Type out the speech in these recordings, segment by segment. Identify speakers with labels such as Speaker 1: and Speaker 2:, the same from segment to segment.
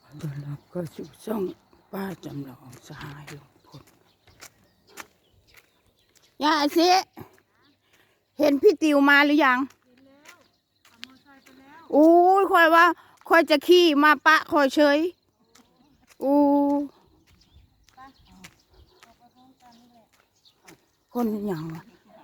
Speaker 1: ตอนรับก็สู่ช่องป้าจำลองสหายลุงพลย่าสิเห็นพี่ติวมาหรือยังอู้ยคอยว่าคอยจะขี่มาปะคอยเฉยอู้คนอย่างวะ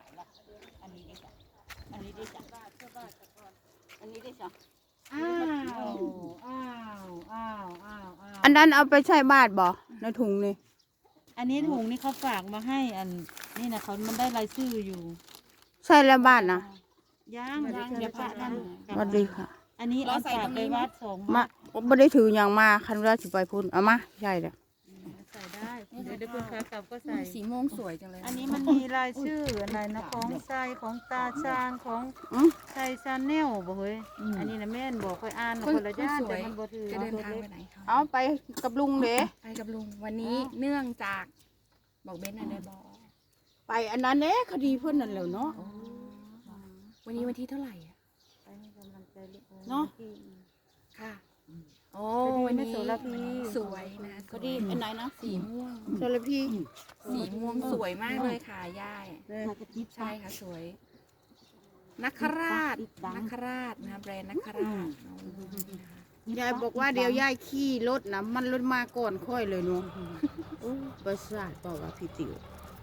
Speaker 1: อันนั้นเอาไปใช้บาทบ่ในถุงนี่
Speaker 2: อันนี้ถุงนี่เขาฝากมาให้อันนี่นะเขามันได้รายชื่ออยู่
Speaker 1: ใช่แล้วบาทนะ
Speaker 2: ยังเดี๋ยวปะนั่น
Speaker 1: สวัสดีค่ะ
Speaker 2: อันนี้เอาฝากไปวัด2
Speaker 1: มา
Speaker 2: บาท
Speaker 1: ไม่ได้ถืออย่างมาคันว่าสิไปพุ่นเอามาใช่เลย
Speaker 2: ใส่ได้เดี๋ยวคุณค้ากลับก็ใส่
Speaker 3: สีม่วงสวยจังเลย
Speaker 2: อันนี้มันมีรายชื่ออะไรนะของไซของตาชางของไซชาแนลบ่เฮ้ยอันนี้นะแม่นบอกค่อยอ่านคนละย่านแต่มันบ่ถือ
Speaker 3: จะเดินทางไปไหนคะ
Speaker 1: เอาไปกับลุงเด้
Speaker 3: ไปกับลุงวันนี้เนื่องจากบอกเบนอะไรบอก
Speaker 1: ไปอันนั้นเด้คดีเพื่อนนั่นแหล้วเนาะ
Speaker 3: วันนี้วันที่เท่าไหร่อ่ะ
Speaker 2: ไปให้กำลังใจลูก
Speaker 1: เนาะ
Speaker 3: ค่ะโอ้
Speaker 2: วั
Speaker 3: วัน น
Speaker 2: นี้
Speaker 3: นี้
Speaker 2: โสระพี
Speaker 3: สวยนะ
Speaker 1: คดีอันไหนนะ
Speaker 3: สีม่วง
Speaker 1: โซลพี่
Speaker 3: สีม่วงสวยมากเลยค่ะย่ายใช่ค่ะสวยนักคราชนะแบรนด์นักคราช
Speaker 1: ยายบอกว่าเดี๋ยวยายขี่รถนะมันรถมาก่อนค่อยเลยเนาะประสาทเปล่าวะพี่ติ๋ว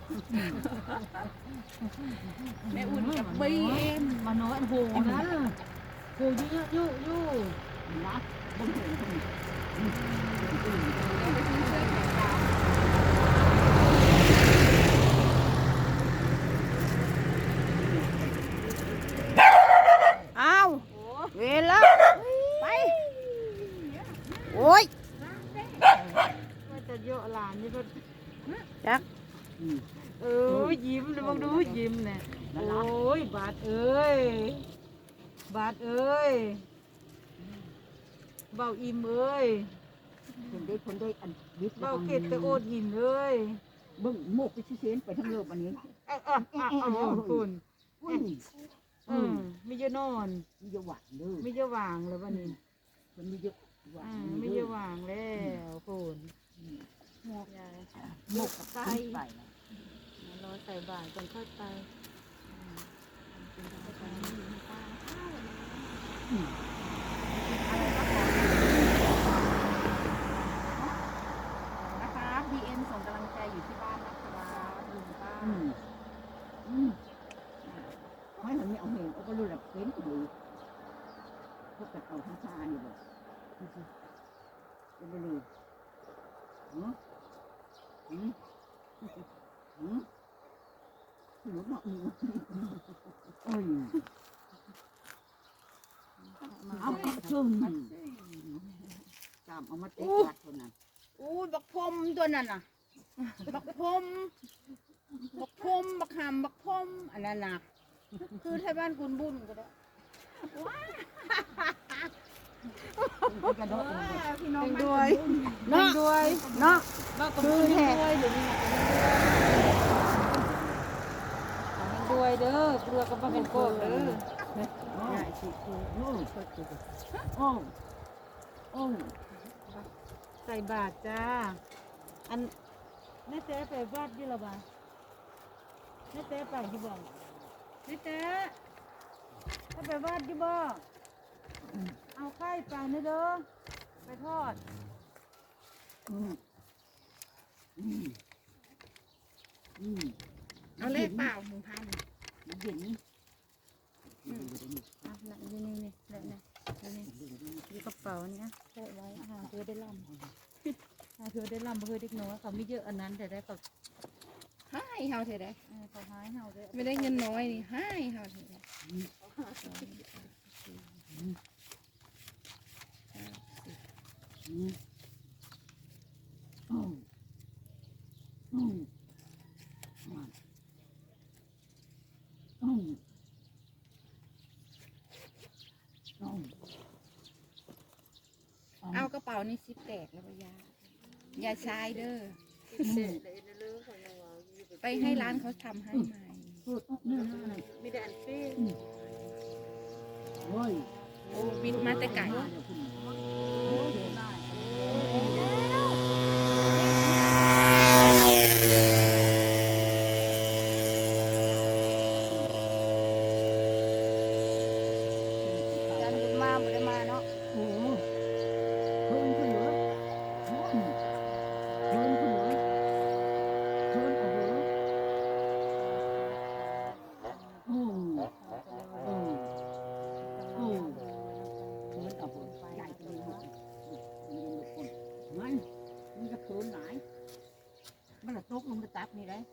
Speaker 3: แม่อุ่นกับบีเอ็ม
Speaker 2: มาน้อยโหนะโหยู่นะ
Speaker 1: อ้าวเวลาไปโอ้ย
Speaker 2: ก็จะเยอะหลานนี่ก็
Speaker 1: จัก
Speaker 2: ยิ้มดูมองดูยิ้มเนี่ยโอ้ยบาทเอ้ยบาทเอ้ยเบาอิ่มเอ้ย
Speaker 4: คนได้อันวิทย์
Speaker 2: เบาเกตตะโอดหินเอ้ย
Speaker 4: เบิ่งโมกไปชี้เส้นไปทั้งโลกอันนี้
Speaker 2: คุณ
Speaker 4: อุ้ย
Speaker 2: ไม่เยอะนอน
Speaker 4: มีเยอะหวานเด้อ
Speaker 2: ไม่เยอะวางเลยวันนี้
Speaker 4: มันมีเยอะหวาน
Speaker 2: ไม่เยอะวางแล้วคุณหมกยาย
Speaker 4: โมกกับไส้ไป
Speaker 2: รอใส่บาตรก่อนค่อยไป
Speaker 3: นะคะบีเอ็มส่งกำลังใจอยู่ที่บ้านนะคะลุงป้า
Speaker 4: ไม่เห็นไม่เอาเห็นเอาก็รู้แบบเป็นอยู่พวกกระเต่าทั้งชาอยู่แบบเป็นเลยหืมหนูบอกหนูเอ้ยเอาชุ่มจำเอามาเตะกัดคนนั้น
Speaker 1: อู้บักพรมตัวนั้นน่ะบักพรมบักหำบักพรมอันนั้นน่ะคือไทยบ้านคุณบุญก็ได้
Speaker 4: กระโดด
Speaker 1: พี่น้องด้วยเนาะ
Speaker 2: ด้วย
Speaker 1: เนาะ
Speaker 2: บ้ากับมือด้วยเดี๋ยวนี้ด้วยเด้อเกลือกับบ้าเป็นโกดเด้อ
Speaker 1: ใช่สิคือ
Speaker 4: โอ้โอ้
Speaker 2: ใส่บาทจ้าอันแม่เต้ไปวัดยี่ละบ้าแม่เต้ไปยี่บ่แม่เต้ถ้าไปวัดยี่บ่เอาไข่ไปนะเด้อไปทอด
Speaker 3: เอาเลขเปล่า1,000
Speaker 4: เย็นนี่
Speaker 2: อ่ะนั่นนี่แล้วนี่อยู่กระเป๋านี่ใส่ไว้หาเธอได้ลำหาเธอได้ลำเพื่อเด็กน้อยเขาไม่เยอะอันนั้นแต่ได้เขา
Speaker 3: ให้เฮาเถอะได้
Speaker 2: เขาหายเฮาได้
Speaker 3: ไม่ได้เงินน้อยนี่ให้เฮาเถอะได้ เอากระเป๋านี่ซิปแตกแล้วก็อย่าใช้เด้อไปให้ร้านเขาทำให้ใหม่
Speaker 2: มีแต่อันฟี่
Speaker 4: โอ้ย
Speaker 3: โอ้บินมาแต่ไก่
Speaker 4: โอ้ยกมันมาตักนี่ได้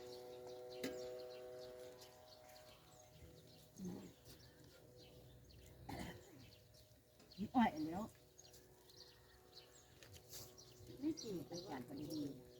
Speaker 4: อ้อยแล้วนี่จีไปจัดกันดี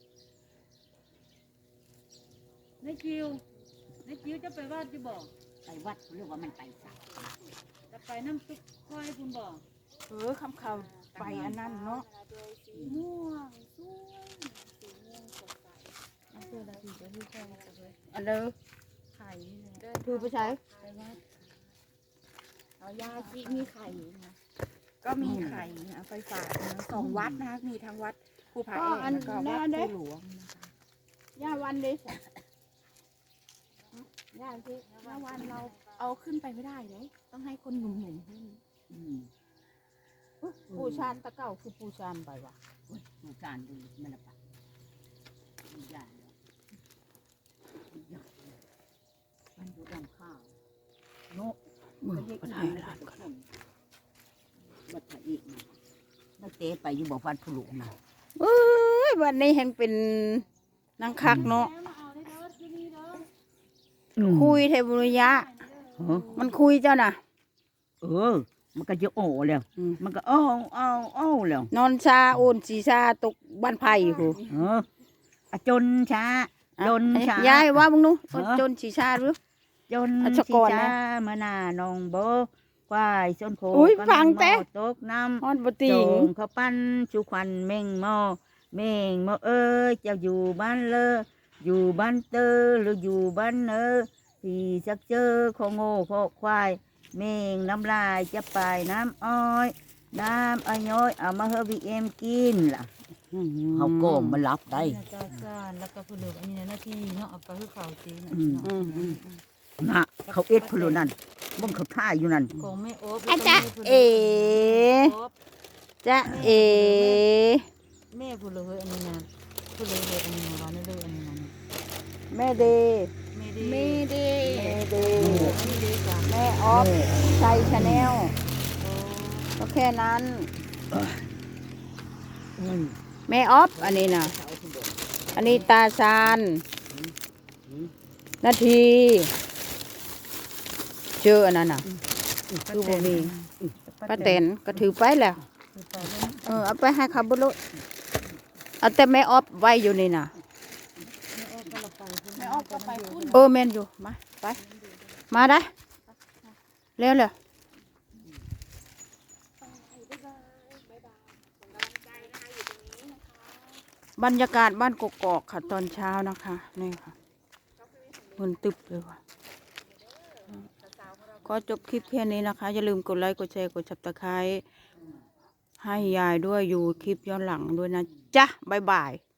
Speaker 2: ในคิวจะไปวัดจะบอก
Speaker 4: ไปวัดเรียกว่ามันไปสัก
Speaker 2: จะไปน้ำซุปค่อยคุณบอก
Speaker 3: คำเขาไปอันนั้นเนาะ
Speaker 1: ม่วงสวยสีม่วงสดใส
Speaker 2: เอาเสื้อดาดีจะที่ค่อยมาเลย
Speaker 1: อันเด้อ
Speaker 2: ไข่นี่แหละ
Speaker 1: คือไปใช้
Speaker 2: ไปวัด
Speaker 3: เอายาจิมีไข่นะก็มีไข่นะไปฝากนะ2 วัดนะคะมีทั้งวัดภูผาแอกแล้วก็วัดภูหลวงนะคะ
Speaker 1: ย่าวันดิย่าสิ
Speaker 3: เมื่อวันเราเอาขึ้นไปไม่ได้เลยต้องให้คนหนุ่มๆขึ้น
Speaker 1: ปูชานตะเก้าคือปูชานไปว่ะ
Speaker 4: ดูการดูมันละปะดูยาแล้วมันดูดำข้าวโน้ก็ได้ละวัดพระอีกนักเตะไปอยู่บอกวัดผู้หลวงนะ
Speaker 1: เอ้ยวันนี้เห็นเป็นนางคักเนาะ
Speaker 2: มาเอาได้เด้อที่นี่เด้อ
Speaker 1: คุยเทบุริยะ มันคุยเจ้าน่ะ
Speaker 4: มันก็จะโอ้แล้ว มันก็อ้แล้ว
Speaker 1: นอนชาโอนสีชาตกบ้านไผ่หู
Speaker 4: จนช้าจนช้าย
Speaker 1: ายว่ามึงนู้จนสีชาหรือ
Speaker 4: จน
Speaker 1: อัชกรนะ
Speaker 4: มานานองโบควายส้นโค
Speaker 1: อุ๊ยฟังแต่
Speaker 4: ตกน้ำ
Speaker 1: ฮอนบ
Speaker 4: โจ
Speaker 1: ติง
Speaker 4: งเขาปั้นชูควันเม่งหม้อเม่งหม้อเอ้ยเจ้าอยู่บ้านเลออยู่บ้านเตอหรืออยู่บ้านเนอที่สักเจอขอโง่ขอควายเม่งน้ำลายจะไปน้ำอ้อยน้ำอ้อยย้อยเอามาเฮอวีเอ็มกินล่ะเขาโกงมันรับได้
Speaker 2: นี่นะจ้าซ่านแล้วก็ผู้เหลืออันนี้นะหน้าที่เนาะเอาไปให้เขาจีน
Speaker 4: นะเขาเอ็ดพลุนั่นมึงเขาท่าอยู่นั่น
Speaker 2: ของแม่โอ๊บ
Speaker 1: อาจารย์เอ๋ จ๊ะเอ
Speaker 2: แม่ผู้เหลืออันนี้นะผู้เหลืออันนี้นะวันนี้เลยอันนี้นะ
Speaker 1: แม่เด
Speaker 2: แม่ดี
Speaker 1: แม่เด
Speaker 2: แม่ดีจ้ะ
Speaker 1: แม่ออฟชัยชาแนลก็แค่นั้น แม่ออฟอันนี้นะอันนี้ตาชานนาที เจออันนั้นน่ะ คือบ่มีป้าแตนก็ถือไปแล้ว
Speaker 2: คือไปแล้ว
Speaker 1: เอาไปให้ขับรถเอาแต่แม่ออฟไว้อยู่นี่น่ะ
Speaker 2: แม่ออกก็ไปพุ่น
Speaker 1: แม่นอยู่ มา ไป มาได้ เร็วเลยบรรยากาศบ้านกกอกค่ะตอนเช้านะคะ นี่ค่ะมันตึบเลยว่ะก็จบคลิปแค่นี้นะคะ อย่าลืมกดไลค์ กดแชร์ กดซับสไครต์ให้ยายด้วยอยู่คลิปย้อนหลังด้วยนะจ๊ะ บ๊ายบาย